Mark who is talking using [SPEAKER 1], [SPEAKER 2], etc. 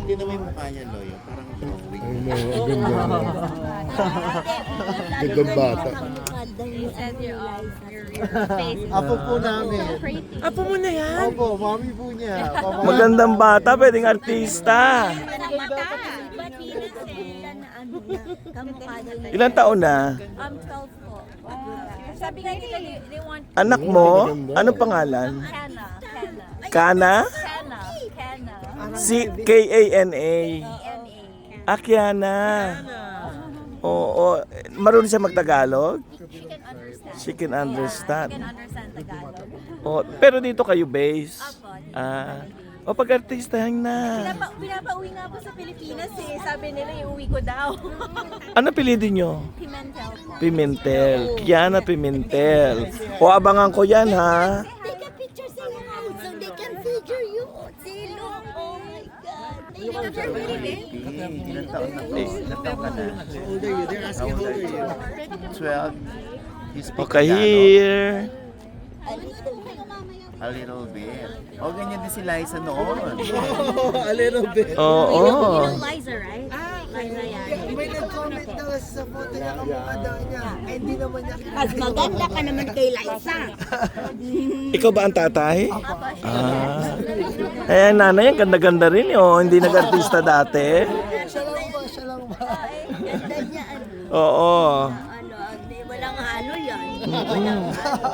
[SPEAKER 1] Tingnan mo yung mukha niya, Loyo. Parang drawing.
[SPEAKER 2] Ay, no, ganda. Gandang bata.
[SPEAKER 3] You said your face is
[SPEAKER 4] Apo po namin.
[SPEAKER 3] pretty.
[SPEAKER 5] Apo mo na yan?
[SPEAKER 4] Opo, mami po niya.
[SPEAKER 5] Magandang bata, pwedeng artista. Ilang taon na?
[SPEAKER 3] 12 po. Sabi nga nila, they want
[SPEAKER 5] Anak mo? Anong pangalan?
[SPEAKER 3] Kana.
[SPEAKER 5] Kana?
[SPEAKER 3] Kana.
[SPEAKER 5] Si K-A-N-A.
[SPEAKER 3] ENA.
[SPEAKER 5] Akiana. Oo. Marunong siya magtagalog?
[SPEAKER 3] She can understand.
[SPEAKER 5] She can understand.
[SPEAKER 3] She can understand Tagalog.
[SPEAKER 5] Oh, pero dito kayo base?
[SPEAKER 3] Apo.
[SPEAKER 5] O pag-artistahan na.
[SPEAKER 3] Pinapauwi nga po sa Pilipinas eh. Sabi nila, iuwi ko daw.
[SPEAKER 5] Ano pilidin nyo?
[SPEAKER 3] Pimentel po.
[SPEAKER 5] Pimentel. Kiana Pimentel. O abangan ko yan ha.
[SPEAKER 6] Take a picture sa your house so they can figure you. See, look. Oh my God. Take a picture with me.
[SPEAKER 1] Ilang taon na po? Ilang taon ka na?
[SPEAKER 4] How old are you? They're asking how old are you?
[SPEAKER 1] 12. You speak
[SPEAKER 5] Okay,
[SPEAKER 1] Tagalog?
[SPEAKER 5] here.
[SPEAKER 1] A little bit. O, ganyan din si Liza noon.
[SPEAKER 4] A little bit.
[SPEAKER 5] Oo.
[SPEAKER 3] Liza, right? Liza yan.
[SPEAKER 4] May nag-comment daw sa photo niya kamukha daw niya. Eh, hindi naman niya
[SPEAKER 6] Mas maganda ka naman kay Liza.
[SPEAKER 5] Ikaw ba ang tatay? Eh, nanay, ang ganda-ganda rin oh. Hindi nag-artista dati.
[SPEAKER 4] Siya lang ba? Siya lang ba?
[SPEAKER 6] Ganda niya.
[SPEAKER 5] Oo.
[SPEAKER 6] Walang ano yan.